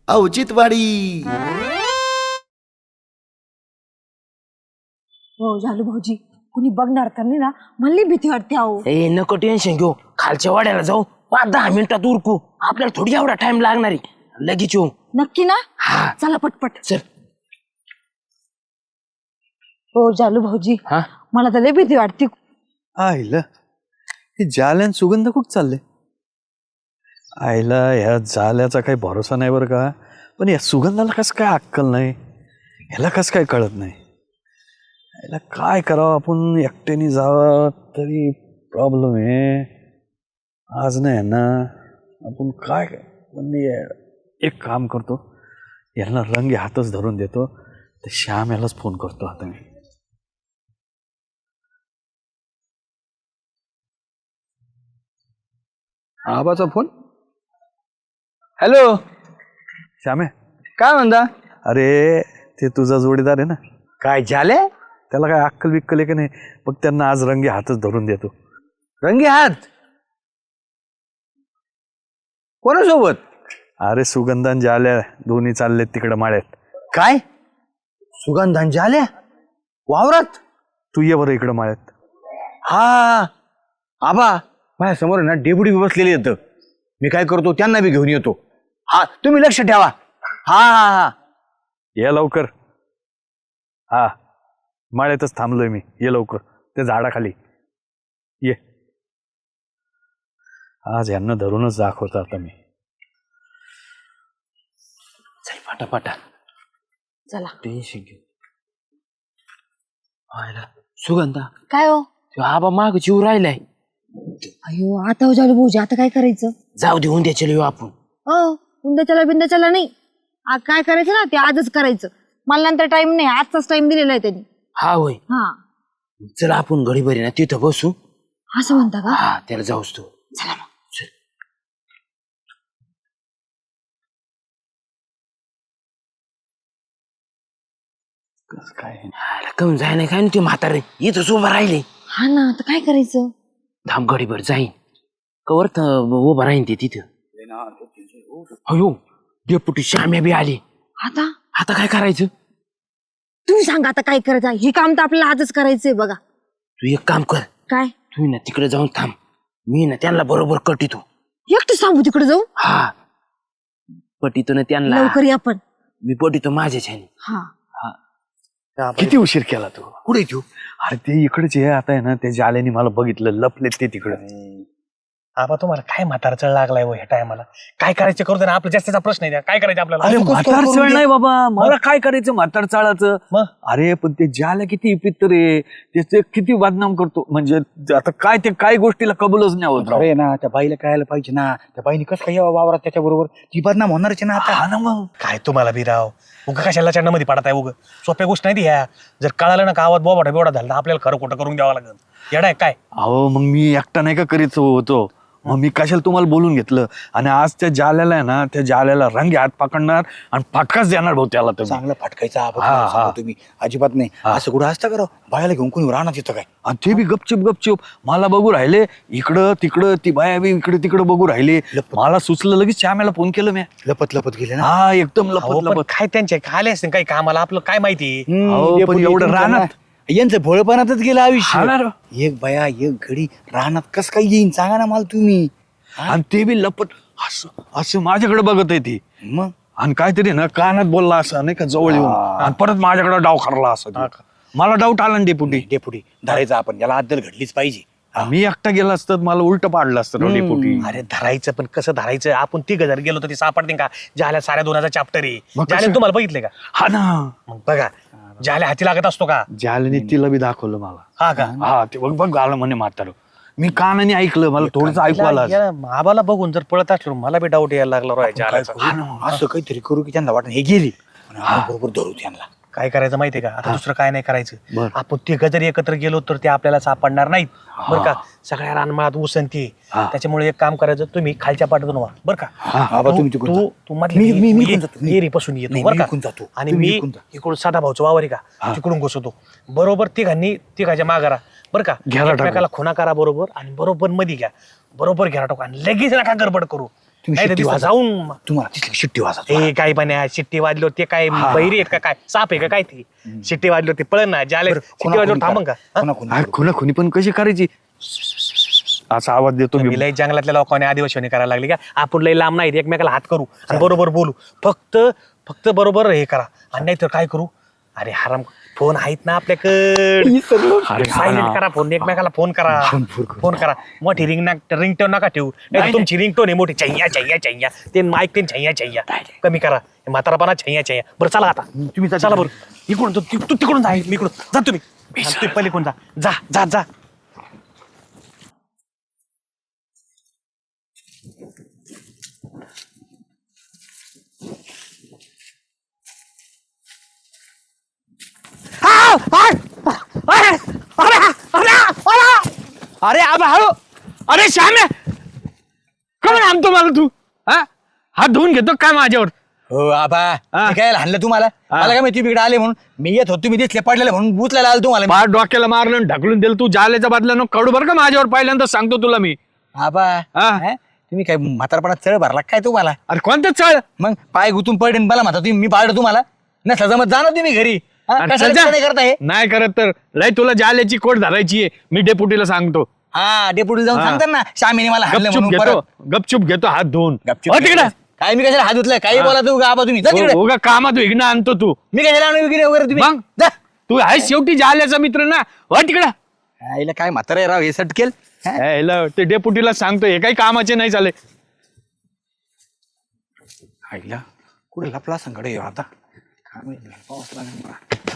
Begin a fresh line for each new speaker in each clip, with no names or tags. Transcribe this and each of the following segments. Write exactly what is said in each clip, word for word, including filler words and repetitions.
औचित्यवाडी.
हो झालू भाऊजी, कुणी बघणार तर नाही ना, मला भीती वाटते. अहो
ए नको टेन्शन घेऊ, खालच्या वाड्याला जाऊ, पाच दहा मिनिटात उरकू, आपल्याला थोडी एवढा टाइम लागणार आहे, लगेच येऊ.
नक्की ना?
हा
चला पटपट.
चल.
हो झालू भाऊजी,
हा
मला तर लय भीती वाटते.
आईला हे जाल्यान सुगंध कुठं चालले? आईला ह्या जाल्याचा काही भरोसा नाही बरं का. पण या सुगंधाला कसं काय अक्कल नाही, ह्याला कसं काय कळत नाही. याला काय करावं, आपण एकट्याने जावं तरी प्रॉब्लेम आहे. आज नाही ना आपण काय म्हणजे एक काम करतो, यांना रंगे हातच धरून देतो, तर श्याम यालाच फोन करतो आता मी.
आबाचा फोन. हॅलो
श्यामे,
काय म्हणता?
अरे ते तुझा जोडीदार आहे ना,
काय झाले?
त्याला काय अक्कल बिक्कल आहे का नाही, मग त्यांना आज रंगे हातच धरून देतो.
रंगी हात? कोणासोबत?
अरे सुगंधान जाल्या दोन्ही चाललेत तिकडे माळ्यात.
काय सुगंधान झाल्या वावरात?
तू ये बरं इकडं माळ्यात.
हा आबा माझ्या समोर ना डेपुटी बसलेले येतं, मी काय करतो त्यांना बी घेऊन येतो. हा तुम्ही लक्ष ठेवा. हा हा हा
ये लवकर. हा माळ्यातच थांबलोय मी, ये लवकर त्या झाडाखाली ये. आज यांना धरूनच दाखवतो आता मी.
चल पाटापाटा.
चला.
टेन्शन घेऊ. सुगंधा,
काय हो?
तो आबा माग जीव राहिलाय.
अयो आता हो झालू भाऊजी, आता काय करायचं?
जाऊ दे, उद्या चल येऊ आपण.
हो उंद्याच्याला बिंद्याच्याला नाही, आ, काय करायचं ना ते आजच करायचं. मला नंतर टाइम नाही, आजचाच टाइम दिलेला आहे त्यांनी.
हा होय,
हा
चल आपण घडी भरी ना तिथं बसू.
असं म्हणता का?
हा त्याला जाऊस तू.
चला मग.
चल.
काय
हाला, कमी जाय नाही काय ना ते म्हातारे इथंच उभं राहिले.
हा ना, आता काय करायचं?
धाम घडीभर जाईन, कवर उभं राहीन ते तिथं. अयो डेपुटी श्याम्या बी आली.
आता
आता काय करायचं?
तुम्ही सांगा आता काय करायचं. हे काम तर आपल्याला आजच करायचंय बघा.
तू एक काम कर,
काय?
तू ना तिकडे जाऊन थांब, मी ना त्यांना बरोबर कटितो.
एकटं थांबू तिकडे जाऊ?
हा पटितो ना त्यांना,
लवकर या पण.
मी पटितो माझ्याच ह्याने.
हा
किती उशीर केला तू?
कुठे तू?
अरे ते इकडेच आहे आता आहे ना, त्या जाल्याने मला बघितलं, लपलेत ते तिकडं.
आबा तुम्हाला काय म्हातारा चढ लागलाय हो ह्या टायमाला? काय करायचं करू दे ना, आपला जास्तीचा प्रश्न आहे. काय करायचं आपल्याला?
अरे म्हातार चाळ नाही बाबा, मला काय करायचं म्हातार चाळाचं.
मग?
अरे पण ते जाल्या किती पित्तर आहे, त्याचे किती बदनाम करतो. म्हणजे आता काय ते काय गोष्टीला कबूलच नाही होत.
अरे ना त्या बाईला कळायला पाहिजे ना, त्या बाईने कसं काय यावं वावरात त्याच्या बरोबर, ती बदनाम होणारच ना आता.
हा ना मग.
काय तुम्हाला बिराव उगा कशाला चंडामध्ये पडत आहे? उग सोप्या गोष्ट नाही ती ह्या. जर कळालं ना गावात बोबाटा बिवडा झाला तर आपल्याला खरं खोटं करून द्यावं लागेल. येडा आहे काय?
अहो मग मी एकटा नाही का करीत होतो, मग मी कशाला तुम्हाला बोलून घेतलं. आणि आज त्या जाल्याला आहे ना, त्या जाल्याला रंगे हात पकडणार आणि फटकाच देणार भाऊ त्याला. तर
चांगला फटकायचा आबा,
हा,
तुम्हाला
हा.
सांगतो तुम्ही अजिबात नाही असं कुठं असतं करा. बायाला घेऊन कोणी राहणार तिथं काय?
आणि ते बी गपचूप गपचूप मला बघू राहिले, इकडं तिकडं ती बाया बी इकडे तिकडं बघू राहिले. मला सुचलं, लगेच श्यामेला फोन केलं मी.
लपत लपत गेले ना.
हा एकदम
अहो,
लपत
पण
लपत.
काय त्यांचे खाले असते काही कामाला, आपलं काय माहिती?
अहो, पण
डेपुटी
एवढं
तुमचं
रानात.
ना, यांचं भोळपणातच गेलं आयुष्य.
हा ना रे.
एक बाया एक घडी रानात कस काय येईन सांगा ना मला तुम्ही.
आणि ते बी लपट असं असं माझ्याकडे बघत आहे ती.
मग
आणि काहीतरी ना कानात बोलला असं नाही का जवळ येऊन, आणि परत माझ्याकडे डाव खरला असं ते. मला डाऊट आला ना डेपुटी.
डेपुटी धरायचं आपण, याला अद्दल घडलीच पाहिजे.
मी एकटा गेला असतं तर मला उलट पाडलं असतं राव डेपुटी.
अरे धरायचं पण कसं धरायचं? आपण तिघ जर गेलो तर ते सापडते का? ज्याला साऱ्या दोनाचा चॅप्टर आहे.
मग कसं?
ज्याला तुम्हाला बघितले का?
हा ना,
मग बघा, ज्याला हाती लागत असतो का?
जाल्याने तिला बी दाखवलं मला.
हा का?
हा ते बघ बघ आलं म्हणे म्हातारं. मी कानाने ऐकलं, मला थोडस ऐकू आलं.
याला- आबाला बघून जर पळत असलो मला बी डाऊट यायला लागला राव याच्या आल्याचा.
हा ना, असं काहीतरी करू की त्यांना वाटत हे गेली पण आपण बरोबर धरू त्यांना.
काय करायचं माहितीये का? आता दुसरं काय नाही करायचं.
बर.
आपण तिघ जरी एकत्र गेलो तर ते आपल्याला सापडणार नाहीत बरं का? सगळ्या रानमाळात उसंती
हा.
त्याच्यामुळे एक काम करायचं, तुम्ही खालच्या पाठातून व्हा बरं का?
आबा तुम्ही तिकडून
तू
जा.
तू मधली
मी- मी- मी
ये-
इकडून जातो. मी-
येरीपासून येतो
नाही,
बरं
मी
का?
इकडून जातो.
आणि
तुम्ही
मी
इकडून जा.
इकडून साधा भाऊचं वावर आहे का तिकडून घुसवतो बरोबर. तिघांनी तिघाच्या मागारा बरं का?
घ्यायला टाकू.
एकमेकाला खुणा करा बरोबर, आणि बरोबर मध्ये घ्या, बरोबर घ्या टाकू, आणि लगेच नका गडबड करू.
तुम्ही
नाही तर
शिट्टी
तिथं
वाजा.
जाऊन
तुम्हाला तिथली शिट्टी वाजा
ए काय पण शिट्टी वाजलो ते काय बहिरी आहेत का काय साप आहे का काय ते शिट्टी वाजलो ते पळण ना ज्याला शिट्टी वाजलो थांबन का हा?
खुना खुनी पण कशी करायची असा आवाज देतो मी.
तुम्ही लय जंगलातल्या लोकांनी आदिवासी करायला लागली का आपण लय लांब नाही एकमेकाला हात करू आणि बरोबर बोलू फक्त फक्त बरोबर हे करा आणि नाही तर काय करू अरे हराम फोन आहेत ना आपल्याकडे सायलेंट करा फोन एकमेकाला फोन करा फोन करा मोठी रिंग रिंगटोन नका ठेवू नाही तर तुमची रिंगटोन आहे मोठी छैया छैया छैया ते माईक ते छैया छैया कमी करा हे म्हातारापणा छैया छैया बरं चला आता तुम्ही चला बरं इकडून तू तू तिकडून जा मी इकडून जा तुम्ही आणि तू पलीकडून जा जा जा जा
अरे आबा हळू अरे श्याम्या कम आणतो मला तू हा हात धुवून घेतो काय माझ्यावर
हो आबा
हा.
मी काय हाणलं तुम्हाला मला काय माहिती तुम्ही इकडे आले म्हणून मी येत होतो तुम्ही दिसले पडलेले म्हणून बुचलायला आलो तुम्हाला मी.
पार डोक्याला मारलं आणि ढकलून दिलं तू जाल्याच्या बदल्यानं कडू बरं का माझ्यावर पहिल्यांदा सांगतो तुला मी
आबा
हा.
हा? तुम्ही काय म्हातारपणात चढ भरला काय तुम्हाला
अरे कोणतं चळ
मग पाय गुतून पडले आणि मला म्हणता तुम्ही मी पाडलं तुम्हाला नसलं जमत जा ना तुम्ही घरी हा?
अरे
कशाला
सजा.
नाही करता हे
नाही करत तर लय तुला जाल्याची कोट धरायची आहे मी डेपुटीला सांगतो
हा डेपुटी जाऊन
हा.
सांगतात ना श्यामीने मला हाणलं
गपचूप
म्हणून
घेतो
परत
गपचूप घेतो हात धुवून
गपचूप
हो तिकडे
काय मी कशाला हात धुतलाय काही बोला तू आबा तुम्ही जा तिकडे
उगा कामात विघ्न आणतो तू
मी कशाला आणू वगैरे वगैरे तुम्ही
मग?
जा
तू आहे शेवटी जाल्याचा मित्र ना हो तिकडं
आईला काय म्हातारा राव हे सटकेल हा?
यायला ते डेपुटीला सांगतो हे काही कामाचे नाही चाले
आईला कुठे लपला संकट आता काय माहिती, पाऊस लागला.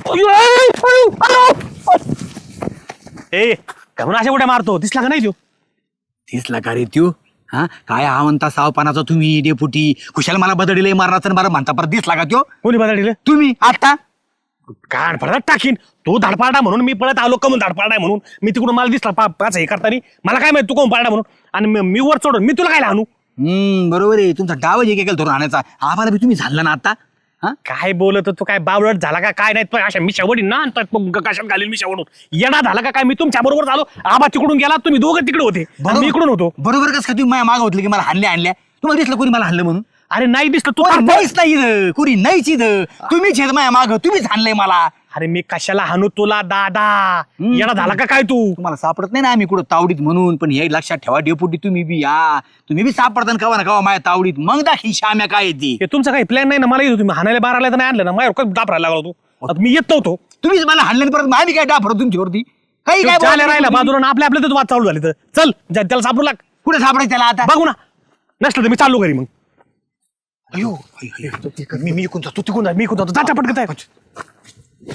ए काय म्हणून अशा कुठे मारतो दिसला का नाही तू
दिसला का रे त्यो हा काय हा म्हणता सावपानाचा तुम्ही डेपुटी कुशाला मला बदडीलंय मारणार बरं म्हणता परत दिसला का त्यो
कोणी बदलले
तुम्ही आता
कान पडत टाकीन तू धाडपाडा म्हणून मी पळत आलो कमून धाडपाडा म्हणून मी तिकडून मला दिसला पा पाच हे करताना मला काय माहिती तू कोण पाडा म्हणून आणि मी- मी वर चढून मी तुला काय आणू
हम्म बरोबर आहे तुमचा डाव जे केलं धरून आणायचा आम्हाला बी तुम्ही झाला ना आता हा
काय बोलत तू काय बावळट झाला का काय नाही पण अशा मी शेवटी ना आणतात मग कशात घालील मी शेवटून येणा झाला का काय मी तुमच्या बरोबर झालो आबा तिकडून गेला तुम्ही दोघं तिकडे होते आणि मी इकडून होतो
बरोबर कसं काय तुम्ही माझ्या मागं होतलं की मला हाणल्या आणल्या तुम्हाला दिसलं कोणी मला हाणलं म्हणून
अरे नाही दिसलं तू
कोणी
काय-
नाहीच नाही इथं कोणी नाहीच इथं तुम्हीच आहेत माझ्या मागं तुम्हीच हाणलंय मला
अरे मी कशाला हाणू तुला दादा
हम्म.
येणा झाला का काय तू
तुम्हाला सापडत नाही ना आम्ही कुठं तावडीत म्हणून पण हे लक्षात ठेवा डेपुटी तुम्ही बी या तुम्ही बी सापडता ना कवा ना कवा माझ्या तावडीत मग दाखी श्याम्या काय येते
हे तुमचा काही प्लॅन नाही ना मला येतो तुम्ही हाणायला बाराला तर नाही आणलं ना माझ्यावर दापरायला लागलो तू आता मी येत नव्हतो
तुम्हीच मला हाणलं परत मग आम्ही काय डाफरत तुमच्यावरती काही काय
चाले
बोलत
राहिला
नाही
बाजूला आणि आपल्या आपल्या वाद चालू झाली तर चल जा, त्याला सापडू लाग
कुठे सापडायचं त्याला आता
बघू ना नसलं तर मी चाललो घरी मग
अयो अय, अय, अय.
मी मी इकून जातो तू तिकून जा मी इकून जातो जाता पटकत आहे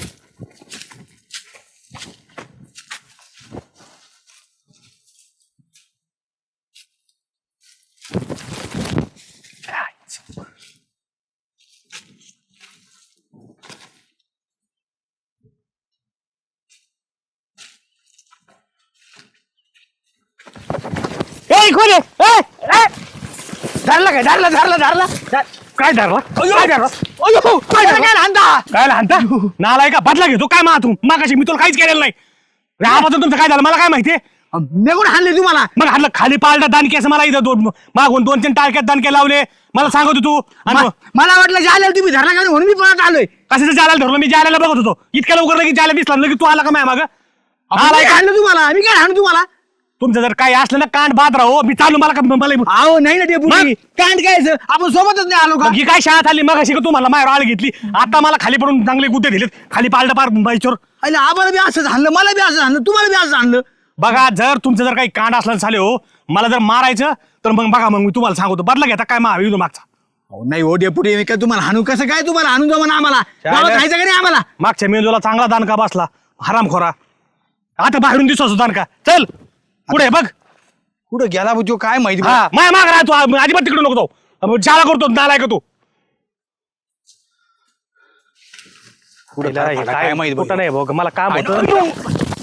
ए कोण आहे? ए, ए! धरला काय धरला धरला धरला धर- काय धरला काय धरला अयो, काय धरला? काय लहानता काय लहानता नालाय का बदला घेतो काय मा तू मागाशी मी तुला काहीच केलेलं नाही आवाज तुमचं काय झालं मला काय माहितीये
मी कुठे हाणले तुम्हाला
मग हातलं खाली पाळलं दानके असं मला इथं दोन मागून दोन तीन टाळक्यात दानके लावले मला सांगत होतो तू आणि
म- मला वाटलं जायला तुम्ही धरला का म्हणून मी पळत आलोय
कशाचं जायला धरलो मी जायला बघत होतो इतक्या लवकर लगेच जायला दिसला लगेच तू आला का माग
मी काय हाणलं तुम्हाला मी काय हाणू तुम्हाला
तुमचं जर काही असलं ना कांड बाद राहो मी चालू मला का मला
अहो नाही ना डेपुटी कांड काय याचं? आपण सोबतच नाही आलो का
मग ही काय शाळा आली मग अशी का तुम्हाला माझ्यावर आळ घेतली आता मला खाली पडून चांगले गुद्दे दिलेत खाली पालटा पार बाईचोर
अरे आम्हाला बी असंच हाणलं मला बी असं हाणलं तुम्हाला बी असं हाणलं
बघा जर तुमचं जर काही कांड असलं झाले हो मला जर मारायचं तर मग बघा मग मी तुम्हाला सांगतो बदला घेता काय मा मागचा
अहो, नाही हो डेपुटी मी काय तुम्हाला हाणू कसं काय तुम्हाला हाणून जमा आम्हाला गावात खायचं का नाही आम्हाला
मागच्या मेंदूला चांगला दानका बसला हरामखोरा आता बाहेरून दिसतो दानका चल पुढे बघ
कुठं गेला बुजो काय माहिती
हा माय माग राहतो अजिबात तिकडे नको तो शाळा करतो नालाय का तू
कुठं काय झालं, काय माहिती
कुठं
बघ.
नाही भाऊ मला काम
काय
होतं
नाही.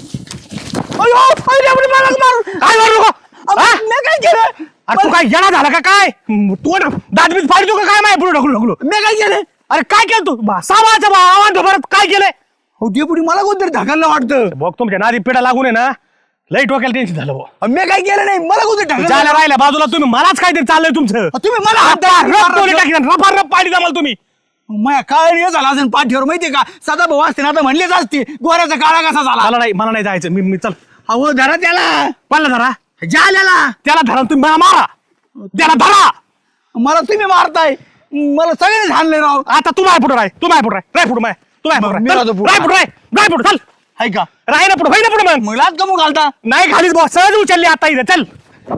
काय मारू नको हा? अरे तू काय येणार झाला का काय तू दात बीत फाडतो का काय माय पुढे ढकलू ढकलू
मी काय केलं
अरे काय केलं तू बा, सामाचं आव्हान परत काय केलंय
हो डेपुटी मला कोणतरी ढकललं वाटतं
बघ तुमच्या नादी पिढा लागून आहे ना लई डोक्याला टेन्शन झालं भाऊ.
मी काय केलं नाही, मला कुठे टाकलं?
जायला राहिल्या बाजूला तुम्ही मलाच काहीतरी चाललंय तुमचं.
तुम्ही मला हात
रप टोले टाकीन, रपा रप पाडी जमाल तुम्ही.
माया काळ झाला असेल पाठीवर माहितीये का? सदा भाऊ असते ना आता म्हणलेच असते गोऱ्याचा काळा कसा झाला.
मला नाही मला नाही जायचं मी मी चल.
अहो धरा त्याला,
कोणाला धरा?
जाल्याला.
त्याला धरा तुम्ही मला मारा. त्याला धरा.
मला तुम्ही मारताय, मला सगळेच हाणले राव.
आता तू माय पुढे राय, तू माय पुढे राय, राय पुढे माय, तू माय
मग मी
पुढे
राहतो पुढं.
राय पुढे राय, राय पुढे चल.
हाय का?
राय ना पुढे, होय ना पुढे मग.
मग लाज कमू घालता?
नाही खालीच बॉस, सहज उचलली आता इथे चल.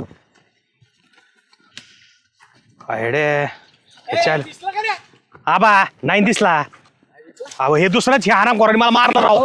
अडे चल. आबा नाही दिसला. अहो हे दुसरंच हे आराम करून मला मारलं राव.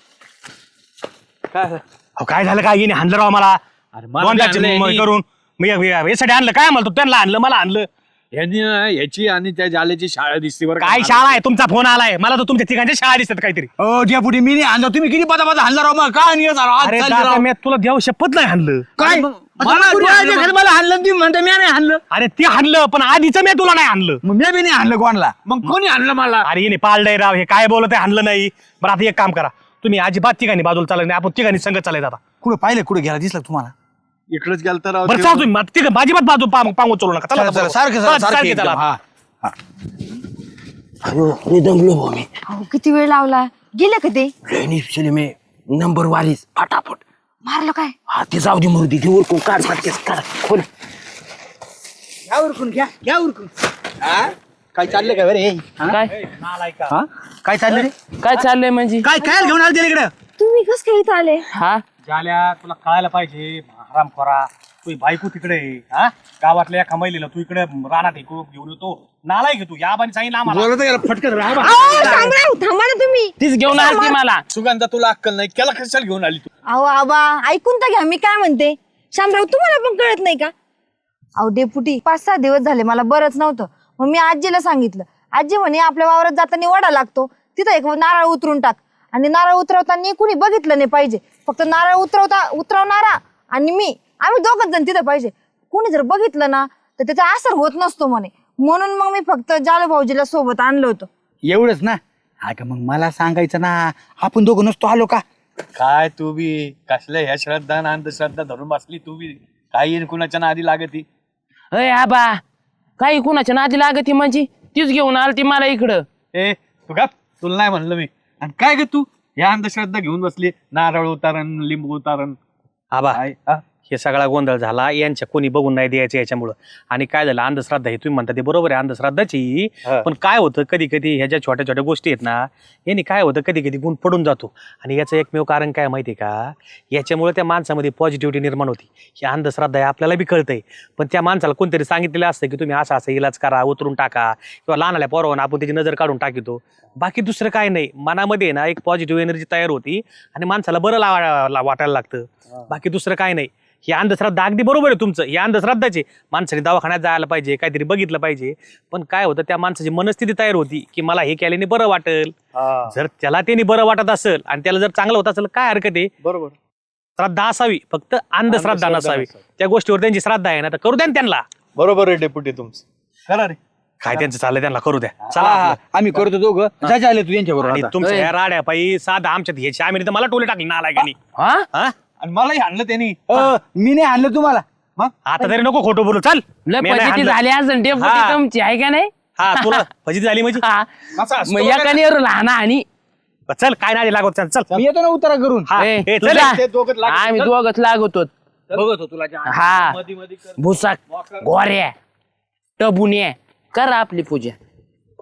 अहो काय झालं काय येणे हाणलं राव मला. दोन जागचे म- करून मी यासाठी आणलं काय म्हणतो त्यांना आणलं मला आणलं.
यांनी ना याची आणि त्या जाल्याची शाळा दिसते बरं का.
काय शाळा आहे तुमचा फोन आलाय मला तर तुमच्या ठिकाणच्या शाळा दिसतात काहीतरी.
हो डेपुटी मी नाही आणलं, तुम्ही किती पदा पदा हाणला राव मग काय नाही झालं आज
अरे
चालली
दादा,
राव.
मी तुला देव शपथ नाही हाणलं.
काय मला डोळ्याच्या खाली मला हाणलं, तुम्ही म्हणता मी नाही हाणलं.
अरे ते हाणलं पण आधीच मी तुला नाही हाणलं.
मग मी बी नाही हाणलं कोणाला.
मग कोणी आणलं मला?
अरे येणे पाळलंय राव हे काय बोलत आहे हाणलं नाही. बरं आता एक काम करा तुम्ही अजिबात ठिकाणी बाजूला चालत नाही, आपण ठिकाणी संगत चालायचं आता.
कुठं पाहिलं, कुठं गेला दिसला तुम्हाला?
इकडंच गेलं तर
बरं चाल तुम्ही ठीक आहे अजिबात बाजू पांग पांगू चलू नका. चला
चला, चला,
आता
सारखं
चला,
चला,
चला,
सारखं
चला.
एकदम, हा.
दमलो भाऊ मी.
अहो किती वेळ लावला, गेले का ते?
ऍक्च्युली मी नंबर वारीच फटाफट.
मारलं काय?
हा ते जाऊ दे मुर्दी ते उरकून काढ सारखेच काढ खोल.
घ्या उरकून, घ्या घ्या उरकून. हा? काय चाललंय का रे?
काय
हा? काय चाललंय रे?
काय चाललंय म्हणजे?
काय काय घेऊन आले इकडे?
तुम्ही कस काय इथं आले?
हा
झाल्या तुला कळायला पाहिजे आराम करा. तू बायको तिकडे आहे, हा गावातल्या एका महिलेला तू इकडे रानात हे करून घेऊन येतो. नालाय घे तू या बानी सांगितलं आम्हाला.
बोलत गेला फटकत राहा.
अहो, शामराव, थांबा ना तुम्ही.
तीच घेऊन आलती मला.
सुगंधा तुला अक्कल नाही, केला कशाला घेऊन आली तू?
अहो आबा ऐकून तर घ्या, मी काय म्हणते. शामराव तुम्हाला पण कळत नाही का? अहो डेपुटी पाच सहा दिवस झाले मला बरंच नव्हतं, मग मी आजीला सांगितलं. आजी म्हणे आपल्या वावरात जाताना वडा लागतो, तिथं एक नारळ उतरून टाक. आणि नारळ उतरवताना कुणी बघितलं नाही पाहिजे, फक्त नारळ उतरवता उतरवणारा आणि मी आम्ही दोघच जण तिथं पाहिजे. कुणी जर बघितलं ना तर त्याचा असर होत नसतो म्हणे. म्हणून मग मी फक्त जालू भाऊजीला सोबत आणलं होतं.
एवढंच ना? हा का, मग मला सांगायचं ना, आपण दोघं नसतो आलो का?
काय तू बी कसल्या ह्या श्रद्धा आणि अंधश्रद्धा धरून बसली तू बी. काय येईन कुणाच्या नादी लागती?
अय आबा काही कुणाच्या नादी लागती म्हणजे तीच घेऊन आलती मला इकडं.
ए तू का तुला नाही म्हणलं मी. आणि काय ग तू या अंधश्रद्धा घेऊन बसली, नारळ उतारण लिंबू उतारण.
आबा
काय हा?
हे सगळा गोंधळ झाला यांच्या कोणी बघून नाही द्यायचं याच्यामुळं. आणि काय झालं अंधश्रद्धा हे तुम्ही म्हणता ते बरोबर आहे अंधश्रद्धाची. पण काय होतं कधी कधी ह्या ज्या छोट्या छोट्या गोष्टी आहेत ना यांनी काय होतं कधी कधी गुण पडून जातो. आणि याचं एकमेव कारण काय माहिती आहे का, याच्यामुळे त्या माणसामध्ये पॉझिटिव्हिटी निर्माण होती. ही अंधश्रद्धा आहे आपल्याला बी कळतंय, पण त्या माणसाला कोणतरी सांगितलेलं असतं की तुम्ही असं असं इलाज करा, उतरून टाका किंवा लहानाल्या पोरावर आपण त्याची नजर काढून टाकितो. बाकी दुसरं काय नाही, मनामध्ये ना एक पॉझिटिव्ह एनर्जी तयार होती आणि माणसाला बरं लावा वाटायला लागतं. बाकी दुसरं काय नाही. ही अंधश्रद्धा अगदी बरोबर आहे तुमचं, ही अंधश्रद्धाची. माणसाने दवाखान्यात जायला पाहिजे, काहीतरी बघितलं पाहिजे. पण काय होतं त्या माणसाची मनस्थिती तयार होती की मला हे केल्याने बरं वाटेल. जर त्याला त्याने बरं वाटत असेल आणि त्याला जर चांगलं होत असेल काय हरकत आहे.
बरोबर.
श्रद्धा असावी, फक्त अंधश्रद्धा नसावी. त्या गोष्टीवर त्यांची श्रद्धा आहे ना तर करू द्या ना त्यांना.
बरोबर आहे डेप्युटी तुमचं. करा रे.
काय त्यांचं चाललंय त्यांना करू द्या. चला
हा,
आपलं.
आम्ही करतो दोघं. जा आले तू यांच्या
आणि
बरोबर.
तुमच्या ह्या राड्या पायी साधा आमच्यात ह्याची आम्ही तर मला टोले टाकले नालायकानी.
हा
हा
आणि मलाही आणलं त्यांनी.
मी नाही आणलं तुम्हाला.
मग
आता तरी नको खोटं बोलू. चल
लय
मी नाही
फजिती
हाणलं.
झाली असेल डेपुटी
हा.
तुमची आहे का नाही?
हा तुला फजिती झाली म्हणजे
हा.
असं असतं
मग
बघा
एकाने लहान आणि
चल काय नाही लागत चल चल
मी येतो ना उतारा करून.
हा,
ए,
ए, चल
तुझा-
ते दोघं लागत
आम्ही दोघच लागतो.
बघत होतो तुला.
हा भुसाक गोऱ्या टबुन्या करा आपली पूजा.